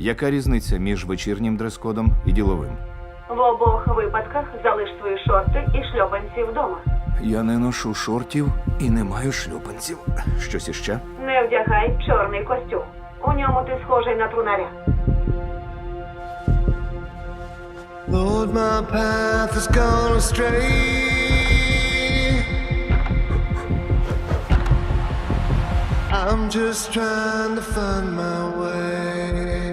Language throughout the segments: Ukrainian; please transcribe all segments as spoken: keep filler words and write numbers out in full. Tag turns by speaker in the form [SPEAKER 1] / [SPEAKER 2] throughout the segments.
[SPEAKER 1] Яка різниця між вечірнім дрес-кодом і діловим?
[SPEAKER 2] В обох випадках залиш свої шорти і шльопанці вдома.
[SPEAKER 1] Я не ношу шортів і не маю шлюпанців. Щось іще?
[SPEAKER 2] Не вдягай чорний костюм. У ньому ти схожий на трунаря.
[SPEAKER 3] Lord, my path has gone astray. I'm just trying to find my way.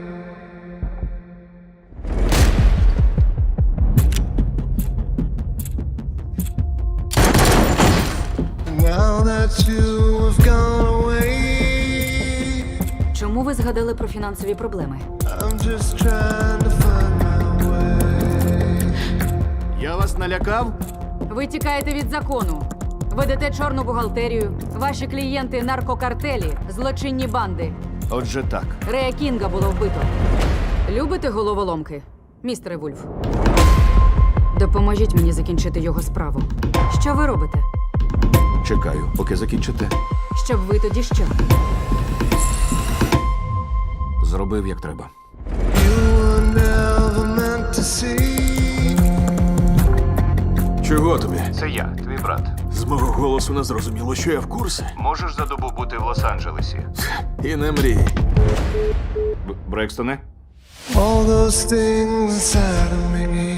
[SPEAKER 3] Now that you have gone away,
[SPEAKER 4] Чому ви згадали про фінансові проблеми?
[SPEAKER 3] I'm just trying to find my way.
[SPEAKER 1] Я вас налякав?
[SPEAKER 4] Ви тікаєте від закону. Ведете чорну бухгалтерію. Ваші клієнти – наркокартелі, злочинні банди.
[SPEAKER 1] Отже так.
[SPEAKER 4] Рея Кінга було вбито. Любите головоломки, містере Вульф? Допоможіть мені закінчити його справу. Що ви робите?
[SPEAKER 1] Чекаю, поки закінчите.
[SPEAKER 4] Щоб ви тоді що?
[SPEAKER 1] Зробив, як треба.
[SPEAKER 3] You were never meant to see.
[SPEAKER 5] Чого тобі?
[SPEAKER 1] Це я, твій брат.
[SPEAKER 5] З мого голосу не зрозуміло, що я в курсі.
[SPEAKER 1] Можеш за добу бути в Лос-Анджелесі?
[SPEAKER 5] І не мрій.
[SPEAKER 1] Б- Брекстоне?
[SPEAKER 3] All those things inside of me.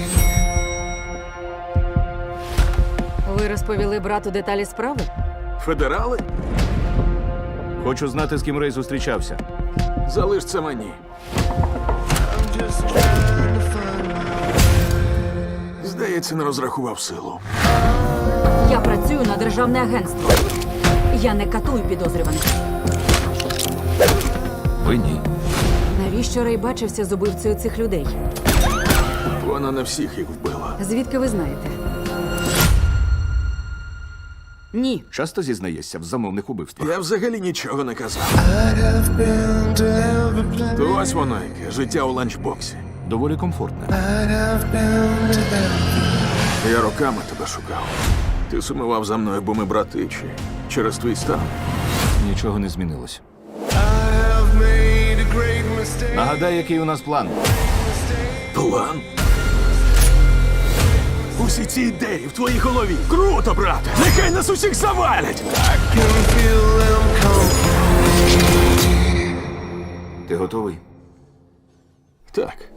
[SPEAKER 4] Ви розповіли брату деталі справи?
[SPEAKER 5] Федерали?
[SPEAKER 1] Хочу знати, з ким Рей зустрічався.
[SPEAKER 5] Залиш це мені.
[SPEAKER 3] I'm just trying to find my
[SPEAKER 5] Здається, не розрахував силу.
[SPEAKER 4] Я працюю на державне агентство. Я не катую підозрюваних.
[SPEAKER 1] Ви ні.
[SPEAKER 4] Навіщо Рей бачився з убивцею цих людей?
[SPEAKER 5] Вона не всіх їх вбила.
[SPEAKER 4] Звідки ви знаєте? Ні.
[SPEAKER 1] Часто зізнаєшся в замовних убивствах?
[SPEAKER 5] Я взагалі нічого не казав.
[SPEAKER 3] I'd have been to every place.
[SPEAKER 5] То ось воно яке, життя у ланчбоксі.
[SPEAKER 1] Доволі комфортне.
[SPEAKER 3] I'd have been to them.
[SPEAKER 5] Я роками тебе шукав. Ти сумував за мною, бо ми брати, чи через твій стан.
[SPEAKER 1] Нічого не змінилось.
[SPEAKER 3] I have made a great mistake.
[SPEAKER 1] Нагадай, який у нас план.
[SPEAKER 5] План? Усі ці ідеї в твоїй голові. Круто, брате! Нехай нас усіх завалять!
[SPEAKER 3] Can feel them come.
[SPEAKER 1] Ти готовий?
[SPEAKER 5] Так.